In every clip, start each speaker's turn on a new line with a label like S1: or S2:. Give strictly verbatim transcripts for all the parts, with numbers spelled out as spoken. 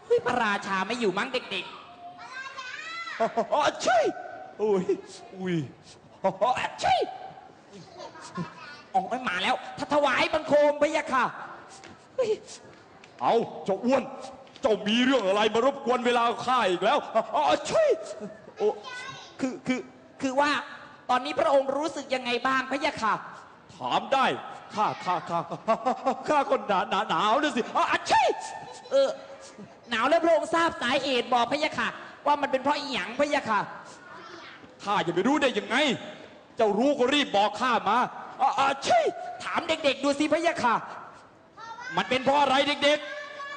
S1: เฮ้ยพระราชาไม่อยู่มั้งเด็ก
S2: ๆอ๋อใช่อุ้ยอุ้ยอ๋อใช่
S1: อ๋อมาแล้วถ้าถวายบังคมพะยะค่ะ
S2: เอาเจ้าอ้วนเจ้ามีเรื่องอะไรมารบกวนเวลาข้าอีกแล้วอ๋อใช่โอ้
S1: คือคือคือว่าตอนนี้พระองค์รู้สึกยังไงบ้างพะยะค่ะ
S2: ถามได้ข้าข้าข้าข้าคนหนาหนาหนาวนะสิอ๋อใช่
S1: เออหนาวแล้วพระองค์ทราบสาเหตุบอกพะยะค่ะว่ามันเป็นเพราะอีหยังพะยะค่ะ
S2: ข้าจะไปรู้ได้ยังไงเจ้ารู้ก็รีบบอกข้ามาอ๋อใช่
S1: ถามเด็กๆดูสิพะยะค่ะ
S2: มันเป็นเพราะอะไรเด็กๆ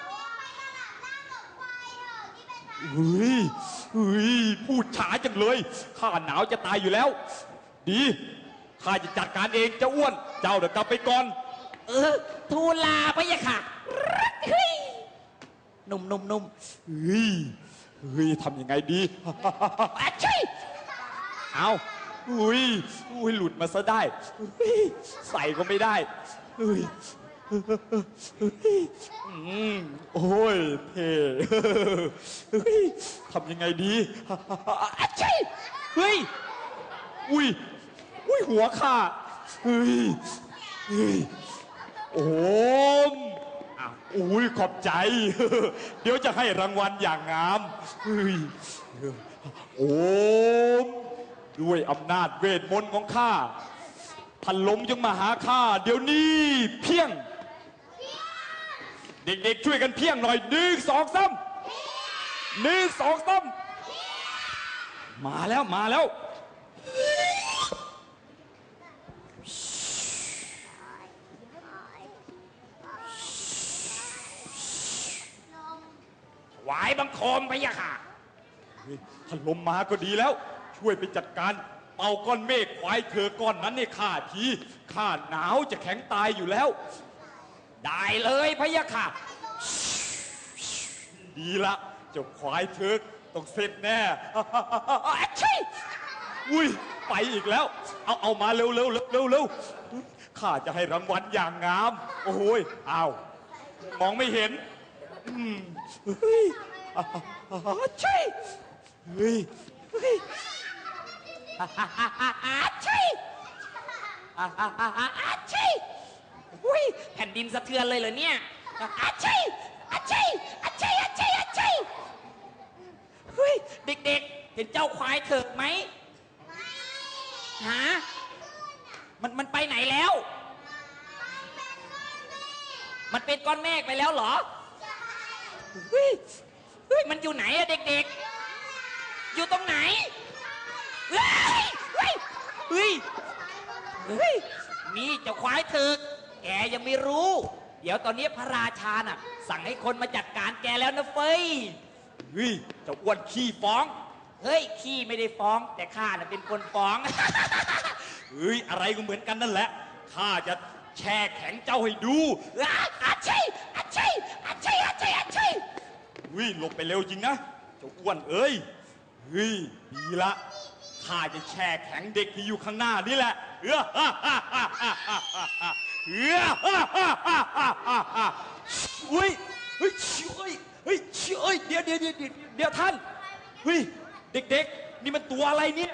S2: เฮ้ยเฮ้ยพูดช้าจังเลยข้าหนาวจะตายอยู่แล้วดีข้าจะจัดการเองเจ้าอ้วนเจ้าเดี๋ยวกลับไปก่อน
S1: เออทูลลาพะยะค่ะเฮ้ยหนุ่มหนุ่มหนุ่ม
S2: เฮ้ยเฮ้ยทำยังไงดี
S1: ใช่
S2: เอาอุ้ยอุ้ยหลุดมาซะได้ใส่ก็ไม่ได้เฮ้ยโอ้ยเท่เฮ้ยทำยังไงดี
S1: ใช่
S2: เฮ้ยอุ้ยอุ้ยหัวข้าเฮ้ยเฮ้ยโอ้มอุ้ยขอบใจเดี๋ยวจะให้รางวัลอย่างงามเฮ้ยโอ้มด้วยอำนาจเวทมนต์ของข้าท่านลงจงมาหาข้าเดี๋ยวนี้เพียงเด็กๆช่วยกันเพียงหน่อยหนึ่งสองสามหนึ่งสองสามมาแล้วมาแล้ว
S1: ถวายบังคมพะยะค่ะ
S2: ท่านลมมาก็ดีแล้วช่วยไปจัดการเป่าก้อนเมฆควายเธอก้อนนั้นเนี่ยข้าทีข้าหนาวจะแข็งตายอยู่แล้ว
S1: ได้เลยพะยะค่ะ
S2: ดีละเจ้าควายเธอต้องเสร็จแน่
S1: ใช่
S2: อุ้ยไปอีกแล้วเอาเอามาเร็วเร็วเร็วเร็วเร็วข้าจะให้รางวัลอย่างงามโอ้โหอ้าวมองไม่เห็นอืมเฮ้ยใช่เฮ้ยเฮ้ย
S1: ใช่ใช่อุ้ยแผ่นดินสะเทือนเลยเหรอเนี่ยใช่ใช่ใช่ใช่ใช่เฮ้ยเด็กๆเห็นเจ้าควายเถิกไหมฮะมันมันไปไหนแล้วมันเป็นก้อนเมฆไปแล้วเหรอเฮ้ยเฮ้ยมันอยู่ไหนอะเด็กๆอยู่ตรงไหนเฮ้ยเฮ้ยเฮ้ยเฮ้ยนี่เจ้าควายเถิกแกยังไม่รู้เดี๋ยวตอนนี้พระราชาน่ะสั่งให้คนมาจัดการแกแล้วนะเฟ้ย
S2: เฮ้ยเจ้าอ้วนขี้ฟ้อง
S1: เฮ้ยขี้ไม่ได้ฟ้องแต่ข้าน่ะเป็นคนฟ้อง
S2: เฮ้ยอะไรก็เหมือนกันนั่นแหละข้าจะแช่แข็งเจ้าให้ดู
S1: อาชีอาชีอาชีอาชีอาชี
S2: เฮ้ยหลบไปเร็วจริงนะเจ้าอ้วนเอ้ยเฮ้ยดีละข้าจะแช่แข็งเด็กที่อยู่ข้างหน้านี่แหละเฮ้ยเฮ้ยเฮ้ยเฮ้ยเฮ้ยเฮ้ยเดี๋ยวเดี๋ยวเดี๋ยวเดี๋ยวท่านเฮ้ยเด็กๆนี่มันตัวอะไรเนี่ย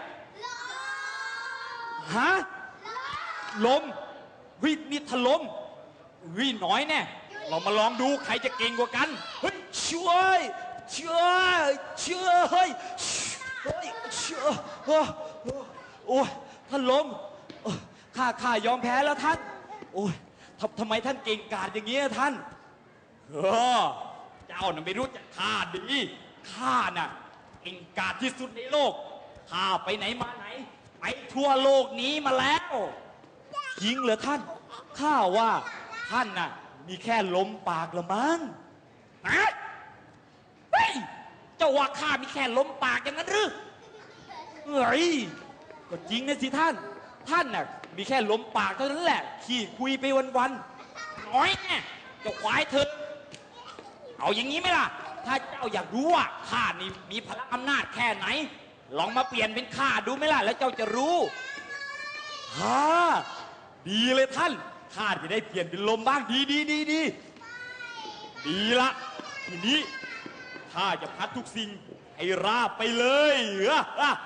S2: ฮะลมเฮ้ยนี่ถล่มเฮ้ยน้อยแน่เรามาลองดูใครจะเก่งกว่ากันเฮ้ยช่วยช่วยช่วยเฮ้ยเฮ้ยช่วยโอ้ยท่านลมข้าข้ายอมแพ้แล้วท่านโอ้ยทำทำไมท่านเก่งกาจอย่างนี้ท่านเออเจ้าน่ะไม่รู้จักข้าดีข้าน่ะเก่งกาจที่สุดในโลกข้าไปไหนมาไหนไปทั่วโลกนี้มาแล้วจริงเหรอท่านข้าว่าท่านน่ะมีแค่ลมปากละมั้ง
S1: ฮะเฮ้ยเจ้าว่าข้ามีแค่ลมปากอย่างนั้นหรือ
S2: เฮ้ยก็จริงนะสิท่านท่านน่ะมีแค่ลมปากเท่านั้นแหละขี้คุยไปวัน
S1: ๆน้อยแน่เจ้าควายเถอะเอาอย่างนี้ไหมล่ะถ้าเจ้าอยากรู้ว่าข้านี่มีพลังอำนาจแค่ไหนลองมาเปลี่ยนเป็นข้าดูไหมล่ะแล้วเจ้าจะรู้
S2: ฮ่าดีเลยท่านข้าจะได้เปลี่ยนเป็นลมบ้างดีดีดีดีดีละทีนี้ข้าจะพัดทุกสิ่งให้ราบไปเลยเฮ้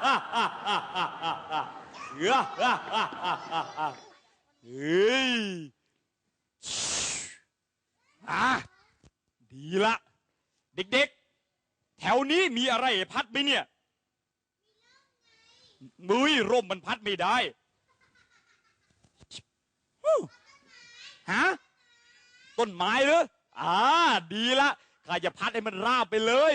S2: ยอ่ะดีละเด็กๆแถวนี้มีอะไรพัดไหมเนี่ยมือร่มมันพัดไม่ได้ฮะต้นไม้เหรออ่าดีละข้าจะพัดให้มันราบไปเลย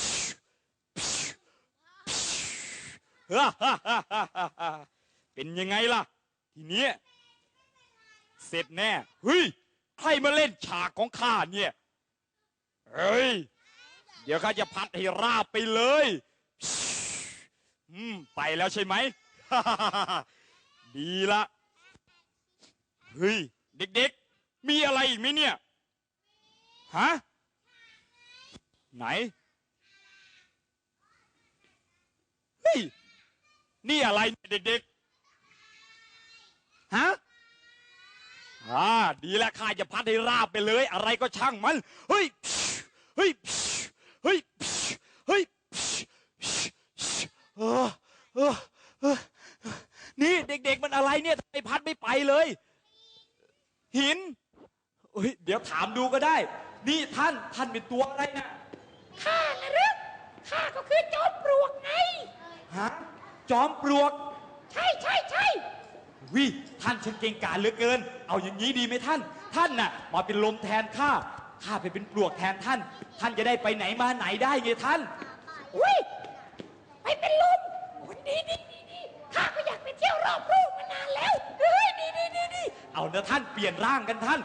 S2: เป็นยังไงล่ะทีนี้เสร็จแน่เฮ้ยใครมาเล่นฉากของข้าเนี่ยเฮ้ยเดี๋ยวข้าจะพัดให้ราบไปเลยอืมไปแล้วใช่ไหม ดีละเฮ้ยเด็กๆมีอะไรอีกไหมเนี่ยฮะไหนเฮ้ยนี่อะไรเด็กๆฮะอ่าดีแล้วข้าจะพัดให้ราบไปเลยอะไรก็ช่างมันเฮ้ยเฮ้ยเฮ้ยเฮ้ยเออเออเออนี่เด็กๆมันอะไรเนี่ยทำไมพัดไม่ไปเลยหินเฮ้ยเดี๋ยวถามดูก็ได้นี่ท่านท่านเป็นตัวอะไรนะ
S1: ข้านะหรือข้าก็คือจอมปลวกไง
S2: ฮะจอมปลวก
S1: ใช่ใช่ใช่
S2: วิท่านช่างเก่งกาจเหลือเกินเอาอย่างนี้ดีไหมท่านท่านน่ะมาเป็นลมแทนข้าข้าไปเป็นปลวกแทนท่านท่านจะได้ไปไหนมาไหนได้ไงท่าน
S1: อุ้ยไปเป็นลมดีดีดีดีข้าก็อยากไปเที่ยวรอบโลกมานานแล้วเฮ้ยดีดีดีดี
S2: เอาเนะท่านเปลี่ยนร่างกันท่าน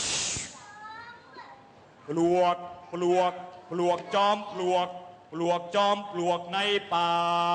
S2: ปลวกปลวกปลวกจอมปลวกปลวกจอมปลวกในป่า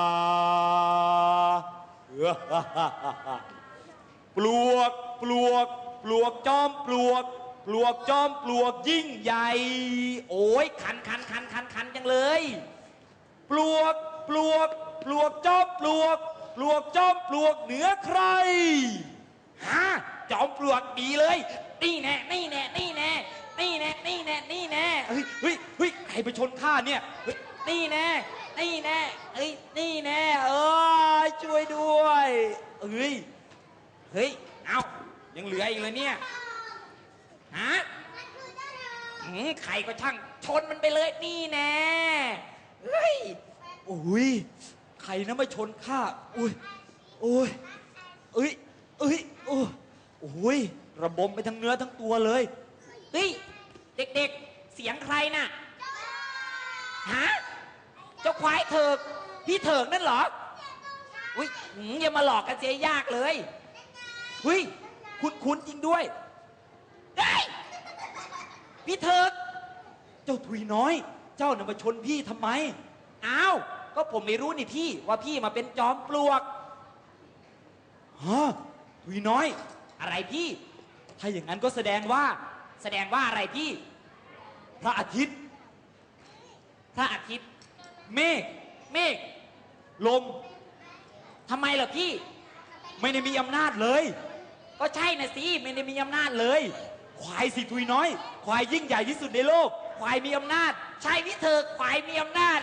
S2: ปลวกปลวกปลวกจอมปลวกปลวกจอมปลวกยิ่งใหญ่
S1: โอ้ยคันคันคันคันคันจังเลย
S2: ปลวกปลวกปลวกจอมปลวกปลวกจอมปลวกเหนือใคร
S1: ฮะจอมปลวกดีเลยนี่แน่นี่แน่นี่แน่นี่แน่นี่แน่นี่แน่
S2: เฮ้ยเฮ้ยเฮ้ยใครไปชนข้าเนี่ย
S1: นี่แน่นี่แน่เฮ้ยนี่แน่เออช่วยด้วย
S2: เฮ้ยเฮ้ยเอายังเหลืออีกเลยเนี่ย
S1: ฮะใครก็ช่างชนมันไปเลยนี่แน่เฮ้ย
S2: โอ้ยใครนะมาชนข้าโอ้ยโอ้ยเอ้ยเอ้ยโอ้โอ้ยระบมไปทั้งเนื้อทั้งตัวเลย
S1: เฮ้ยเด็กๆเสียงใครน่ะฮะเจ้าควายเถิกพี่เถิกนั่นเหรออุ้ยอย่ามาหลอกกันเสียยากเลย
S2: เฮ้ยคุณคุณจริงด้วย
S1: เฮ้ยพี่เถิก
S2: เจ้าทุยน้อยเจ้าน่ะมาชนพี่ทำไม
S1: อ้าวก็ผมไม่รู้นี่พี่ว่าพี่มาเป็นจอมปลวก
S2: ฮะทุยน้อย
S1: อะไรพี่
S2: ถ้าอย่างนั้นก็แสดงว่า
S1: แสดงว่าอะไรพี่
S2: พระอาทิตย์
S1: พระอาทิตย์
S2: เมฆ
S1: เมฆ
S2: ลม
S1: ทำไมเหรอพี่
S2: ไม่ได้มีอำนาจเลย
S1: ก็ใช่นะสิไม่ได้มีอำนาจเลย
S2: ควายสิทุยน้อยควายยิ่งใหญ่ที่สุดในโลก
S1: ควายมีอำนาจใช่พี่เถิกควายมีอำนาจ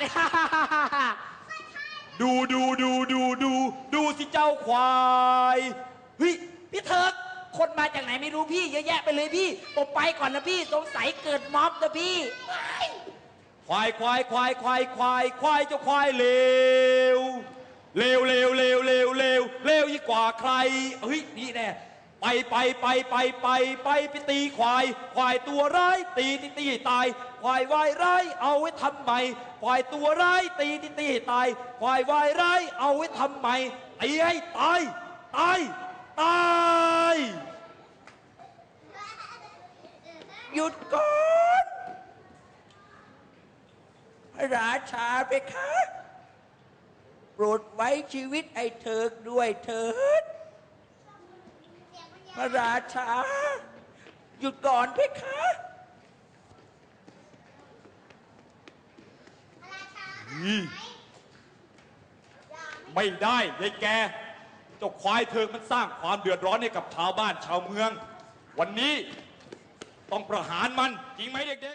S2: ดูดูดูดูดูดูสิเจ้าควาย
S1: เฮ้ยพี่เถิกคนมาจากไหนไม่รู้พี่เยอะแยะไปเลยพี่ผมไปก่อนนะพี่สงสัยเกิดม็อบนะพี่
S2: ควายควายควายควายควายควายเจ้าควายเลวเลวเลวเลวเลวเลวเลวยิ่งกว่าใครเฮ้ยนี่แน่ไปไปไปไปไปไปไปตีควายควายตัวร้ายตีตีตีตายควายวายร้ายเอาไว้ทำไมควายตัวร้ายตีตีตีตายควายวายร้ายเอาไว้ทำไมตีให้ตายตายตาย
S1: หยุดก่อนพระราชาเพคะโปรดไว้ชีวิตไอ้เถิกด้วยเถิดพระราชาหยุดก่อนเพคะ
S2: ไม่ได้ยายแกเจ้าควายเถิกมันสร้างความเดือดร้อนให้กับชาวบ้านชาวเมืองวันนี้ต้องประหารมันจริงไหมเด็กๆ